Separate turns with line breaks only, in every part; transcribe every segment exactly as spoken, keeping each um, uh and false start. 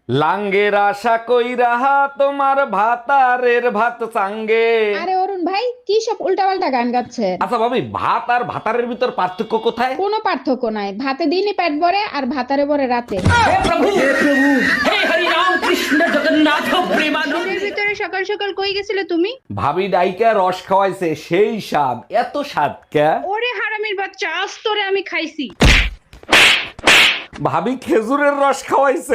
লাঙ্গের আশা কইরা তোমার ভাতারের ভাত চাঙ্গে।
আরে অরুণ ভাই কি সব উল্টাপাল্টা গান গাচ্ছে?
আচ্ছা ভাবি, ভাত আর ভাতারের ভিতর পার্থক্য কোথায়?
কোনো পার্থক্য নাই, ভাতে দিনই পেট ভরে আর ভাতারে ভরে রাতে। এর ভিতরে সকাল সকাল কই গেছিলে তুমি?
ভাবি ডাইকা রস খাওয়াইছে, সেই স্বাদ। এত স্বাদ কে?
ওরে হারামির বাচ্চা, আজ তোরে আমি খাইছি।
ভাবি খেজুরের রস খাওয়াইছে।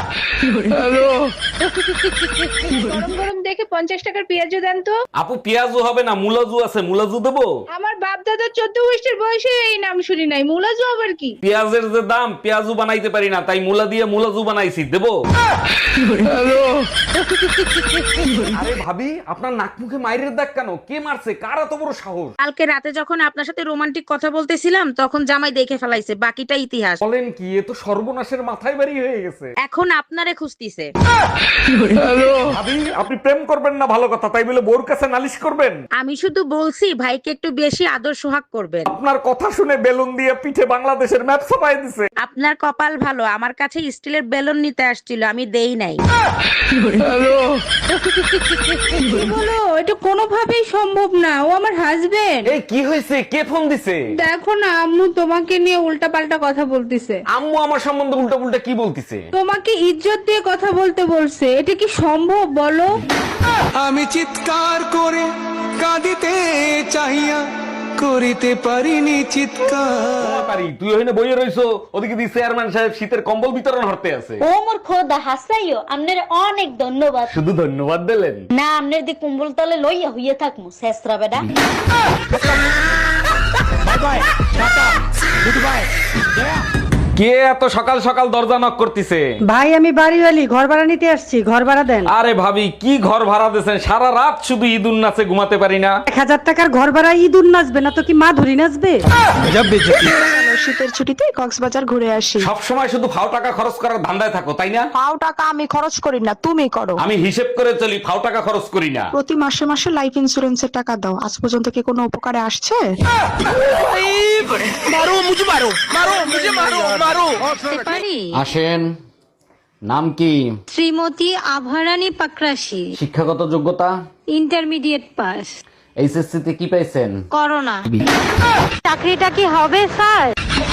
গরম গরম দেখে পঞ্চাশ টাকার পেঁয়াজু দেন তো।
আপু পেঁয়াজু হবে না, মুলাজু আছে, মুলাজু দেবো?
আমার বাপ দাদা চোদ্দ বৈশের বয়সে এই নাম শুনি নাই, মুলাজু আবার কি?
পেঁয়াজের যে দাম, পেঁয়াজু বানাইতে পারি না, তাই মুলা দিয়ে মুলাজু বানাইছি, দেবো? আরে ভাবি, আপনার নাক মুখে মাইরের দাগ কেন? কে মারছে? কার এত বড় সাহস?
কালকে রাতে যখন আপনার সাথে রোমান্টিক কথা বলতেছিলাম তখন জামাই দেখে ফেলাইছে, বাকিটা ইতিহাস।
বলেন কি? এ তো সর্বনাশের মাথায় বাড়ি হয়ে গেছে।
এখন আপনারে খুঁজতিছে।
ভাবি, আপনি প্রেম করবেন না ভালো কথা, তাই বলে বোর কাছে নালিশ করবেন?
আমি শুধু বলছি ভাইকে একটু বেশি আদর সোহাগ করবেন।
আপনার কথা শুনে বেলুন দিয়ে পিঠে বাংলাদেশের ম্যাপ ছাপাই দিছে।
আপনার কপাল ভালো, আমার কাছে স্টিলের বেলুন নিতে আসছিল, আমি দেই নাই।
বলো, এটা কোনোভাবেই সম্ভব না, ও আমার হাজবেন্ড।
এই কি হয়েছে? কে ফোন দিছে?
দেখো না, আম্মু তোমাকে নিয়ে উল্টা পাল্টা কথা বলতিছে।
আম্মু আমার সম্বন্ধে উল্টা পুল্টা কি বলতিছে?
তোমাকে ইজ্জত দিয়ে কথা বলতে বলছে, এটা কি সম্ভব বলো?
আমি চিৎকার করে কাঁদিতে চাহিয়া করিতে পারিনি চিৎকার।
পারি, তুই ওখানে বইয়ে রইছো, ওদিকে দি চেয়ারম্যান সাহেব শীতের কম্বল বিতরণ হতে আছে।
ও মোর খোদা হাসাইও, আপনার অনেক ধন্যবাদ।
শুধু ধন্যবাদ দিলেন
না, আপনার দি কুম্বল তলে লইয়া হইয়া থাকমু শেষরা বেডা।
কে এত সকাল সকাল দরজা নক করতেছে?
ভাই আমি বাড়িওয়ালি, ঘর ভাড়া নিতে আসছি, ঘর ভাড়া দেন।
আরে ভাবি, কি ঘর ভাড়া দিয়েছেন? সারা রাত শুধু ঈদুন নাচে ঘুমাতে পারি না।
এক হাজার টাকার ঘর ভাড়া ইঁদুর নাচবে না তো কি মা ধরি নাচবে?
শীতের ছুটিতে কক্সবাজার ঘুরে আসি।
সব সময় শুধু ফাও টাকা খরচ করার ধান্দায় থাকো, তাই না?
পাও টাকা আমি খরচ করি না, তুমি করো।
আমি হিসেব করে চলি, ফাও টাকা খরচ করি না।
প্রতি মাসে মাসে লাইফ ইন্সুরেন্সের টাকা দাও, আজ পর্যন্ত কি কোনো উপকারে আসছে?
পারি
আসেন। নাম কি?
শ্রীমতী আভারানী পাকরাশি,
শিক্ষাগত যোগ্যতা?
Intermediate pass.
এইচএসসি তে কি পাইছেন?
করোনা। চাকরিটা কি হবে স্যার?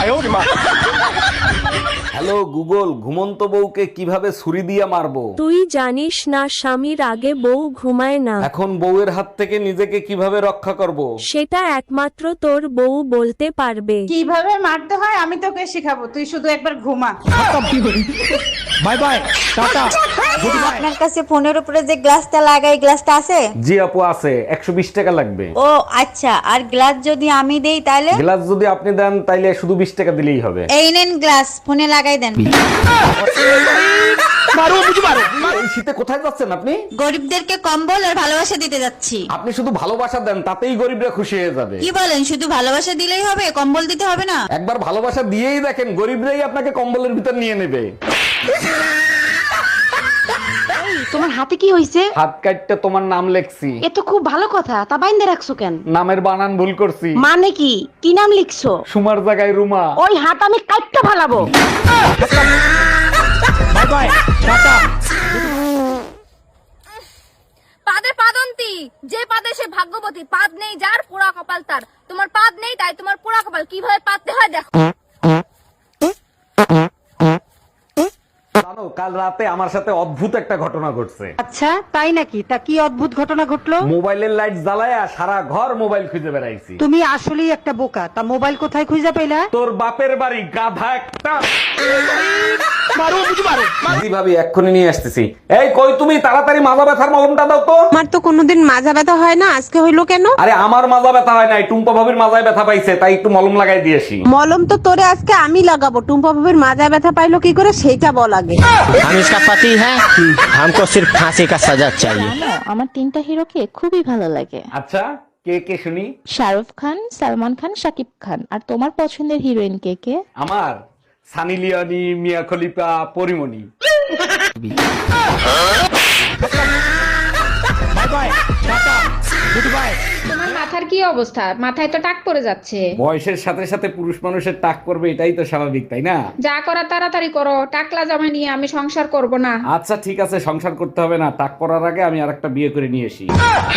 হ্যালো গুগল, ঘুমন্ত বউকে কিভাবে ছুরি দিয়ে মারবো?
তুই জানিস না স্বামীর আগে বউ ঘুমায় না?
এখন বউয়ের হাত থেকে নিজেকে কিভাবে রক্ষা করব?
সেটা একমাত্র তোর বউ বলতে পারবে।
কিভাবে মারতে হয় আমি তোকে শিখাবো, তুই শুধু একবার ঘুমা।
Bye bye, tata.
আপনার কাছে ফোনের উপরে যে গ্লাসটা লাগাই, গ্লাসটা আছে?
জি আপু আছে, একশো বিশ টাকা লাগবে।
ও আচ্ছা, আর গ্লাস যদি আমি দেই তাহলে?
গ্লাস যদি আপনি দেন তাইলে শুধু বিশ টাকা দিলেই হবে।
এই নেন গ্লাস, ফোনে লাগাই দেন।
এই শীতে কোথায় যাচ্ছেন আপনি?
গরিবদেরকে কম্বল আর ভালোবাসা দিতে যাচ্ছি।
আপনি শুধু ভালোবাসা দেন, তাতেই গরিবরা খুশি হয়ে যাবে।
কি বলেন, শুধু ভালোবাসা দিলেই হবে, কম্বল দিতে হবে না?
একবার ভালোবাসা দিয়েই দেখেন, গরিবরাই আপনাকে কম্বলের ভিতর নিয়ে নেবে।
তোমার হাতে কি হইছে?
হাত কাটতে তোমার নাম লেখছি।
এ তো খুব ভালো কথা, তা বাইন্দে রাখছো কেন?
নামের বানান ভুল করছি।
মানে কি? কি নাম লিখছো?
সুমার জায়গায় রুমা।
ওই হাত আমি কাটতে ফালাবো।
Bye bye, tata.
পাদে পাদন্তি, যে পাদে সে ভাগ্যবতী। পাদ নেই যার, পোড়া কপাল তার। তোমার পাদ নেই তাই তোমার পোড়া কপাল। কিভাবে পাততে হয় দেখো।
জানো, কাল রাতে আমার সাথে অদ্ভুত একটা ঘটনা ঘটছে।
আচ্ছা তাই নাকি? তা কি অদ্ভুত ঘটনা ঘটলো?
মোবাইলের লাইট জ্বালায়া সারা ঘর মোবাইল খুঁজে বেড়াইছি।
তুমি আসলেই একটা বোকা। তা মোবাইল কোথায় খুঁজে পেলা?
তোর বাপের বাড়ি, গাধা একটা। জি ভাবি, এক্ষুনি নিয়ে আসতেছি। এই কই তুমি? তাড়াতাড়ি মাজা ব্যথার মলমটা দাও তো।
আমার তো কোনোদিন মাজা ব্যথা হয় না, আজকে হইলো কেন?
আরে আমার মাজা ব্যথা হয় নাই, টুম্পা ভাবির মাজায় ব্যথা পাইছে, তাই একটু মলম লাগাই দিয়েছি।
মলম তো তোরে আজকে আমি লাগাবো। টুম্পা ভাবির মাজা ব্যথা পাইলো কি করে সেটা বল আগে।
हम इसका पति है, हमको सिर्फ फांसी का सजा चाहिए।
আমার তিনটা হিরোকে খুবই ভালো লাগে।
আচ্ছা, কে কে শুনি?
শাহরুখ খান, সালমান খান, শাকিব খান। আর তোমার পছন্দের হিরোইন কে কে?
আমার Sunny Leone, Mia Khalifa, Porimoni.
Bye bye, tata good bye.
তোমার মাথার কি অবস্থা? মাথায় তো টাক পড়ে যাচ্ছে।
বয়সের সাথে সাথে পুরুষ মানুষের টাক করবে, এটাই তো স্বাভাবিক, তাই না?
যা করা তাড়াতাড়ি করো, টাকলা জামা নিয়ে আমি সংসার করব না।
আচ্ছা ঠিক আছে, সংসার করতে হবে না, টাক করার আগে আমি আরেকটা বিয়ে করে নিয়ে আসি।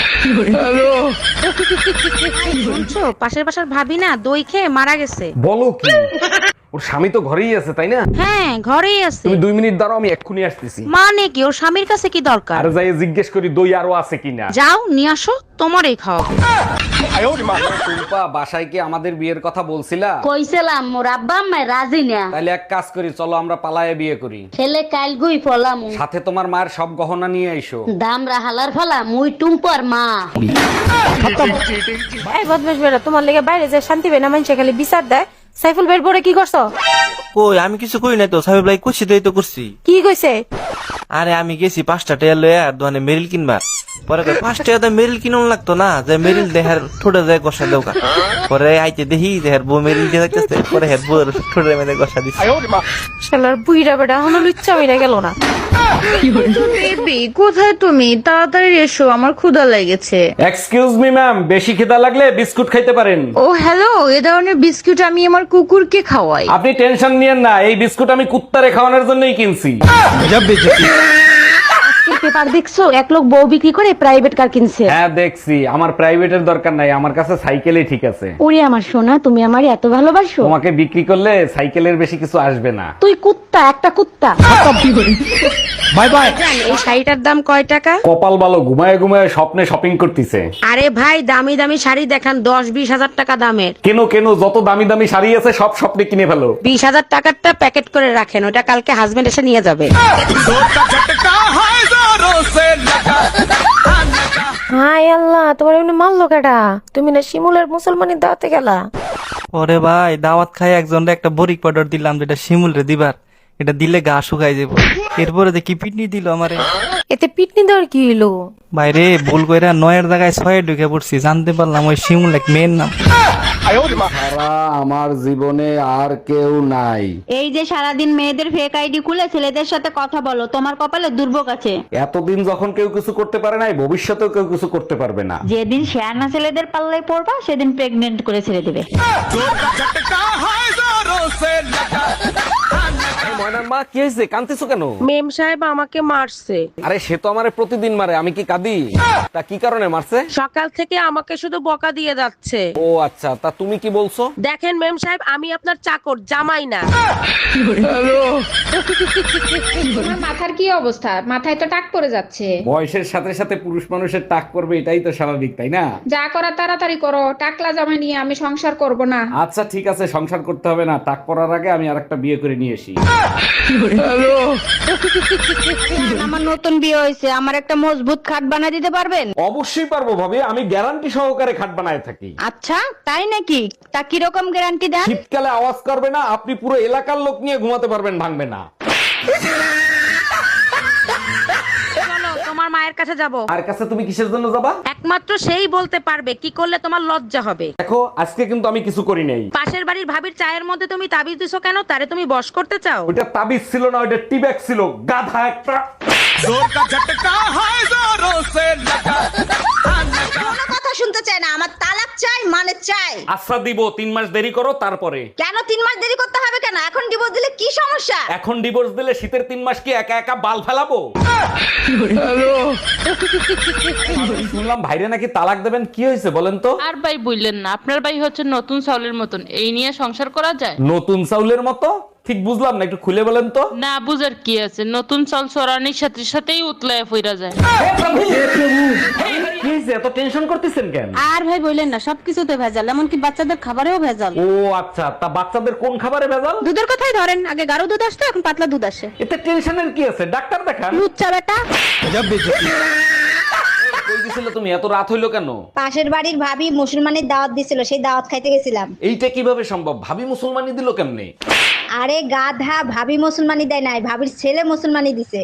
শুনছো, পাশের পাশের ভাবি না দই খেয়ে মারা গেছে।
বলো কি? ওর স্বামী তো ঘরেই আছে, তাই না?
হ্যাঁ, ঘরেই আছে।
তুমি দুই মিনিট দাঁড়াও, আমি এক্ষুনি আসতেছি।
মানে কি, ওর স্বামীর কাছে কি দরকার?
আর যাই জিজ্ঞেস করি দই আরো আছে কিনা।
যাও নিয়ে আসো, তোমারই খাও।
টুম্পা, বাসায় কি আমাদের বিয়ের কথা বলছিলা?
কইছিলাম মোর আব্বা আম্মা রাজি না।
তাহলে এক কাজ করি, চলো আমরা পালায়ে বিয়ে করি।
ছেলে কাল গুই ফলাম
সাথে তোমার মায়ের সব গহনা নিয়ে আইসো।
দামরা হালার ফলা মুই টুম্পর মা।
এই বদমাশ বেটা, তোমার লেগে বাইরে যে শান্তি বেনা মানুষে খালি বিচার দেয়। সাইফুল বের পরে কি করছো?
কই আমি কিছু কই নাই তো, সাহেব লাই কুছি দেই তো করছি।
কি কইছে?
আরে আমি গেছি পাঁচটা টাকা লয়ে আর দোকানে মেরিল কিনবা, পরে কই পাঁচ টাকা মেরিল কিনুন লাগতো না, যে মেরিল দেহার ঠোঁটে যায় গসা দেওকা। পরে আইতে দেখি দেহার বউ মেরিল দিয়ে থাকতেছে, পরে হের বউর ঠোঁটে মেরে গসা দিচ্ছে।
শালার বুইড়া বেটা এখনো লুচ্চা হইরা গেল না।
বেবি, কোথায় তুমি? তাড়াতাড়ি এসো, আমার ক্ষুধা লেগেছে।
এক্সকিউজ মি ম্যাম, বেশি খিদা লাগলে বিস্কুট খাইতে পারেন।
ও হ্যালো, এ ধরনের বিস্কুট আমি আমার কুকুরকে খাওয়াই।
আপনি টেনশন নিয়েন না, এই বিস্কুট আমি কুত্তারে খাওয়ানোর জন্যই কিনছি।
পেপার দেখছো, এক লোক বউ বিক্রি করে প্রাইভেট কার কিনছে।
হ্যাঁ দেখছি, আমার প্রাইভেটের দরকার নাই, আমার কাছে সাইকেলই ঠিক আছে।
ওরে আমার সোনা, তুমি আমার এত ভালোবাসো।
তোমাকে বিক্রি করলে সাইকেলের বেশি কিছু আসবে না।
তুই কুত্তা, একটা কুত্তা।
Bye bye.
এই শাড়িটার দাম কয় টাকা?
কপাল ভালো, ঘুমায় ঘুমায় স্বপ্নে শপিং করতেছে।
আরে ভাই, দামি দামি শাড়ি দেখান, দশ বিশ হাজার টাকা দামের।
কেন কেন, যত দামি দামি শাড়ি আছে সব স্বপ্নে কিনে ফেলো।
বিশ হাজার টাকারটা প্যাকেট করে রাখেন, ওটা কালকে হাজবেন্ড এসে নিয়ে যাবে।
হাই আল্লাহ, তোমার এমনি মারলো কেডা? তুমি না শিমুলের মুসলমানি দাওয়াতে গেলা?
ওরে ভাই, দাওয়াত খাই একজন একটা বরিক পাউডার দিলাম, যেটা শিমুল রে দিবার, এটা দিলে গা শুকাই যাবো। এরপরে দেখি পিটনি দিল আমারে।
এতে পিটনি দেওয়ার কি হইলো?
বাইরে ভুল কইরা নয়ের জায়গায় ছয়ে ঢুকে পড়ছি, জানতে পারলাম ওই শিমুল এক মেয়ের নাম।
সারা আমার জীবনে আর কেউ নাই।
এই যে সারাদিন মেয়েদের ফেক আইডি খুলে ছেলেদের সাথে কথা বলো, তোমার কপালে দুর্ভোগ আছে।
এতদিন যখন কেউ কিছু করতে পারে নাই, ভবিষ্যতেও কেউ কিছু করতে পারবে না।
যেদিন শেয়ানা ছেলেদের পাল্লায় পড়বা সেদিন প্রেগনেন্ট করে ছেড়ে দেবে।
ময়নার মা, কি হয়েছে? কাঁদতেছো কেন?
মেম সাহেব আমাকে মারছে।
আরে সে তো আমারে প্রতিদিন মারে, আমি কি কাঁদি? তা কি কারণে মারছে?
সকাল থেকে আমাকে শুধু বকা দিয়ে যাচ্ছে।
ও আচ্ছা, তা তুমি কি বলছো?
দেখেন মেম সাহেব, আমি আপনার চাকর, জামাই না।
তোমার মাথার কি অবস্থা? মাথায় তো টাক পড়ে যাচ্ছে।
বয়সের সাথে সাথে পুরুষ মানুষের টাক করবে, এটাই তো স্বাভাবিক, তাই না?
যা করা তাড়াতাড়ি করো, টাকলা জামা নিয়ে আমি সংসার করব না।
আচ্ছা ঠিক আছে, সংসার করতে হবে না, টাক করার আগে আমি আরেকটা বিয়ে করে নিয়ে আসি।
আমার নতুন বিয়ে হয়েছে, আমার একটা মজবুত খাট বানিয়ে দিতে পারবেন?
অবশ্যই পারবো ভাবি, আমি গ্যারান্টি সহকারে খাট বানায় থাকি।
আচ্ছা তাই নাকি? তা কিরকম গ্যারান্টি দেন?
শীতকালে আওয়াজ করবে না, আপনি পুরো এলাকার লোক নিয়ে ঘুমাতে পারবেন, ভাঙবে না।
চলো তোমার মায়ের কাছে যাব।
আর কাছে তুমি কিসের জন্য যাবা?
একমাত্র সেই বলতে পারবে কি করলে তোমার লজ্জা হবে।
দেখো, আজকে কিন্তু আমি কিছু করি নাই।
পাশের বাড়ির ভাবির চায়ের মধ্যে তুমি তাবিজ দিছো কেন? তারে তুমি বশ করতে চাও?
ওইটা তাবিজ ছিল না, ওইটা টিব্যাগ ছিল, গাধা একটা।
কোনো কথা শুনতে চাই না, আমার তালাক চাই, মানে চাই।
আচ্ছা দিব, তিন মাস দেরি করো তারপরে।
কেন তিন মাস দেরি করতে হবে কেন? এখন ডিভোর্স দিলে কি সমস্যা?
এখন ডিভোর্স দিলে শীতের তিন মাস কি একা একা বাল ফেলাবো? শুনলাম ভাইরে নাকি তালাক দেবেন, কি হয়েছে বলেন তো?
আর ভাই বললেন না, আপনার ভাই হচ্ছে নতুন চাউলের মতন, এই নিয়ে সংসার করা যায়?
নতুন চাউলের মতো? ঠিক বুঝলাম না, একটু খুলে বলেন তো।
না বুঝার কি আছে, নতুন চাল চড়ানির সাথে সাথেই উতলায় ফিরা যায়।
কি হয়েছে, এত টেনশন করতেছেন কেন?
আর ভাই বললেন না, সবকিছুতে ভেজাল, এমনকি বাচ্চাদের খাবারেও ভেজাল।
ও আচ্ছা, তা বাচ্চাদের কোন খাবারে ভেজাল?
দুধের কথাই ধরেন, আগে গাঢ় দুধ আসতো, এখন পাতলা দুধ আসে।
এতে টেনশনের কি আছে, ডাক্তার দেখান।
লুচ্চা বেটা।
কই গেছিলে তুমি? এত রাত হইলো কেন?
পাশের বাড়ির ভাবি মুসলমানের দাওয়াত দিছিল, সেই দাওয়াত খাইতে গেছিলাম।
এইটা কিভাবে সম্ভব? ভাবি মুসলমানি দিল কেমনে?
আরে গাধা, ভাবি মুসলমানি দেয় নাই, ভাবির ছেলে মুসলমানি দিছে।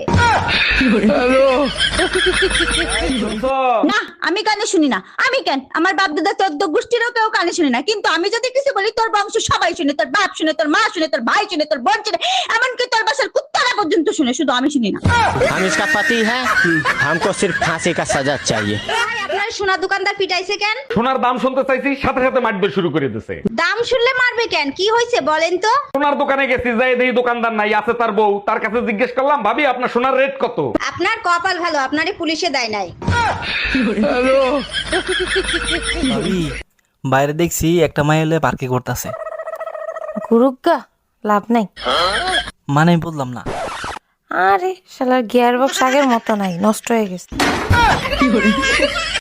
না আমি কানে শুনি না। আমি কেন, আমার বাপ দাদা চোদ্দ গোষ্ঠীরও কেউ কানে শুনি না, কিন্তু আমি যদি কিছু বলি তোর বংশ সবাই শুনে, তোর বাপ শুনে, তোর মা শুনে, তোর ভাই শুনে, তোর বোন শুনে, এমনকি তোর বাসার কুত্তারা পর্যন্ত শুনে, শুধু আমি শুনি না।
हम इसका पति है, हमको सिर्फ फांसी का सजा चाहिए।
আপনার আমার সোনা দোকানদার পিটাইছে কেন?
সোনার দাম শুনতে চাইছি, সাথে সাথে মারবে শুরু করে দিছে।
দাম শুনলে মারবে কেন? কি হয়েছে বলেন তো?
সোনার দোকানে গেছি, যাই দেখি দোকানদার নাই, আছে তার বউ। তার কাছে জিজ্ঞেস করলাম, ভাবি আপনার সোনার রেট কত?
আপনার কপাল ভালো, আপনারে পুলিশে দেয় নাই।
ভাবি বাইরে দেখছি একটা মাই হলে পার্কে করতেছে।
গুরুগা লাভ নাই।
মানে আমি বললাম না।
আরে শালার গিয়ার বক্স আগের মতো নাই, নষ্ট হয়ে গেছে।